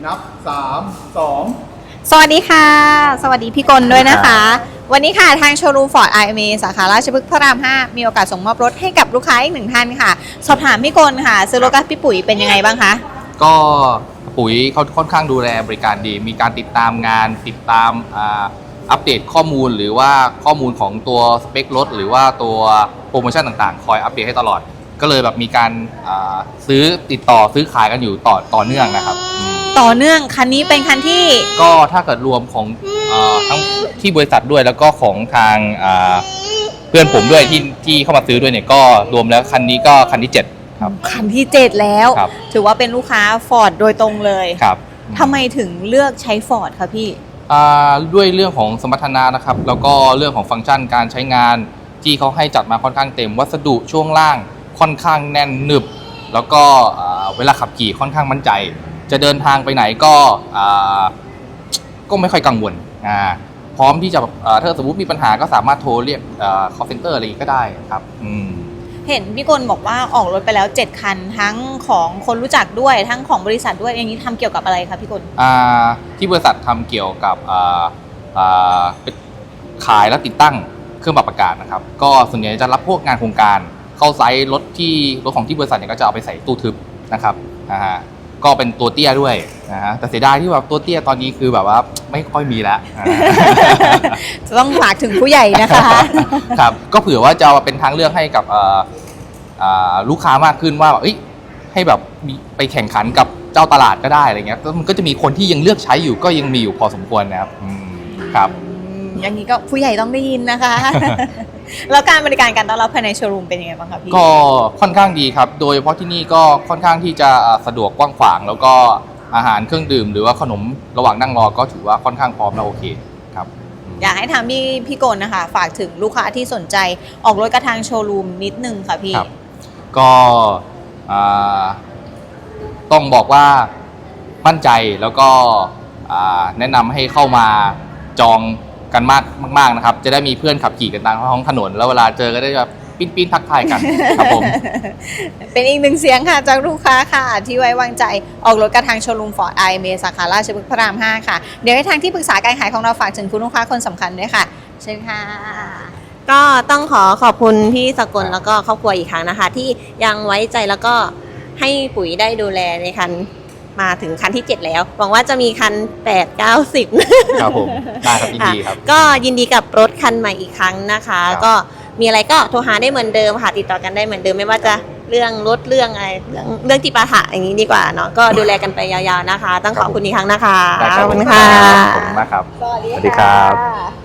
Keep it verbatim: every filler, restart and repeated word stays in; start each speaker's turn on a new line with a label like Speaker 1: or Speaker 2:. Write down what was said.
Speaker 1: นับสามสอง
Speaker 2: สวัสดีค่ะสวัสดีพี่กลด้วยนะคะวันนี้ค่ะทางโชว์รูมฟอร์ด ไอ เอ็ม เอ สาขาราชพฤกษ์พระรามห้ามีโอกาสส่งมอบรถให้กับลูกค้าอีกหนึ่งท่านค่ะสอบถามพี่กลค่ะซื้อรถกับพี่ปุ๋ยเป็นยังไงบ้างคะ
Speaker 3: ก็ปุ๋ยเขาค่อนข้างดูแลบริการดี มีการติดตามงานติดตามอัปเดตข้อมูลหรือว่าข้อมูลของตัวสเปครถหรือว่าตัวโปรโมชั่นต่างๆคอยอัปเดตให้ตลอดก็เลยแบบมีการซื้อติดต่อซื้อขายกันอยู่ต่อต่อเนื่องนะครับ
Speaker 2: ต่อเนื่องคันนี้เป็นคันที่
Speaker 3: ก็ถ้าเกิดรวมของทั้งที่บริษัทด้วยแล้วก็ของทางเพื่อนผมด้วยที่ที่เข้ามาซื้อด้วยเนี่ยก็รวมแล้วคันนี้ก็คันที่เจ็ดครับ
Speaker 2: คันที่เจ็ดแล้วถือว่าเป็นลูกค้าฟอร์ดโดยตรงเลย
Speaker 3: ครับ
Speaker 2: ทำไมถึงเลือกใช้ฟอร์ดคะพี่
Speaker 3: ด้วยเรื่องของสมรรถนะนะครับแล้วก็เรื่องของฟังก์ชันการใช้งานที่เขาให้จัดมาค่อนข้างเต็มวัสดุช่วงล่างค่อนข้างแน่นหนึบแล้วก็เวลาขับขี่ค่อนข้างมั่นใจจะเดินทางไปไหนก็ก็ไม่ค่อยกังวลพร้อมที่จะถ้าสมมติมีปัญหาก็สามารถโทรเรียก call center อะไรก็ได้ครับ
Speaker 2: เห็นพี่กลบอกว่าออกรถไปแล้วเจ็ดคันทั้งของคนรู้จักด้วยทั้งของบริษัทด้วยอย่างนี้ทำเกี่ยวกับอะไรคะพี่กล
Speaker 3: ที่บริษัททำเกี่ยวกับขายและติดตั้งเครื่องปรับอากาศนะครับก็ส่วนใหญ่จะรับพวกงานโครงการเข้าไซต์รถที่รถของที่บริษัทเนี่ยก็จะเอาไปใส่ตู้ทึบนะครับนะฮะก็เป็นตัวเตี้ยด้วยนะฮะแต่เสียดายที่แบบตัวเตี้ยตอนนี้คือแบบว่าไม่ค่อยมีแล้ว
Speaker 2: จะต้องฝากถึงผู้ใหญ่นะคะ
Speaker 3: ครับก็เผื่อว่าจะเป็นทางเลือกให้กับลูกค้ามากขึ้นว่าเอ้ยให้แบบไปแข่งขันกับเจ้าตลาดก็ได้อะไรเงี้ยมันก็จะมีคนที่ยังเลือกใช้อยู่ก็ยังมีอยู่พอสมควรนะครับครับ
Speaker 2: อย่างนี้ก็ผู้ใหญ่ต้องได้ยินนะคะแล้วการบริการการต้อนรับภายในโชว์รูมเป็นยังไงบ้างครับพี่
Speaker 3: ก็ค่อนข้างดีครับโดยเฉพาะที่นี่ก็ค่อนข้างที่จะสะดวกกว้างขวางแล้วก็อาหารเครื่องดื่มหรือว่าขนมระหว่างนั่งรอก็ถือว่าค่อนข้างพร้อมและโอเคครับ
Speaker 2: อยากให้ทางพี่พี่กลนะคะฝากถึงลูกค้าที่สนใจออกรถกระทางโชว์รูมนิดนึงค่ะพี่
Speaker 3: ก็ต้องบอกว่ามั่นใจแล้วก็แนะนำให้เข้ามาจองกันมากมากๆนะครับจะได้มีเพื่อนขับขี่กันตามท้องถนนแล้วเวลาเจอก็ได้แบบปิ้นปิ้นทักทายกันครับผม
Speaker 2: เป็นอีกหนึ่งเสียงค่ะจากลูกค้าค่ะที่ไว้วางใจออกรถกระทางโชว์รูมฟอร์ด ไอ เอ็ม เอ สาขาราชพฤกษ์พระรามห้าค่ะเดี๋ยวให้ทางที่ปรึกษาการขายของเราฝากถึงคุณลูกค้าคนสำคัญด้วยค่ะเชิญค่ะ
Speaker 4: ก็ต้องขอขอบคุณพี่สกลแล้วก็ครอบครัวอีกครั้งนะคะที่ยังไว้ใจแล้วก็ให้ปุ๋ยได้ดูแลในคันมาถึงคันที่เจ็ดแล้วหวังว่าจะมีคันแปด เก้า สิบ
Speaker 3: ครับผมได้ครับยินดีครับ
Speaker 4: ก็ยินดีกับรถคันใหม่อีกครั้งนะคะก็มีอะไรก็โทรหาได้เหมือนเดิมค่ะติดต่อกันได้เหมือนเดิมไม่ว่าจะเรื่องรถเรื่องอะไรเรื่องเรื่องจิปาถะอย่างนี้ดีกว่าเนาะก็ดูแลกันไปยาวๆนะคะต้องขอบคุณอีกครั้งนะคะ
Speaker 3: ขอบคุณค่ะขอบคุณมากครับ
Speaker 2: สวัสดีครับ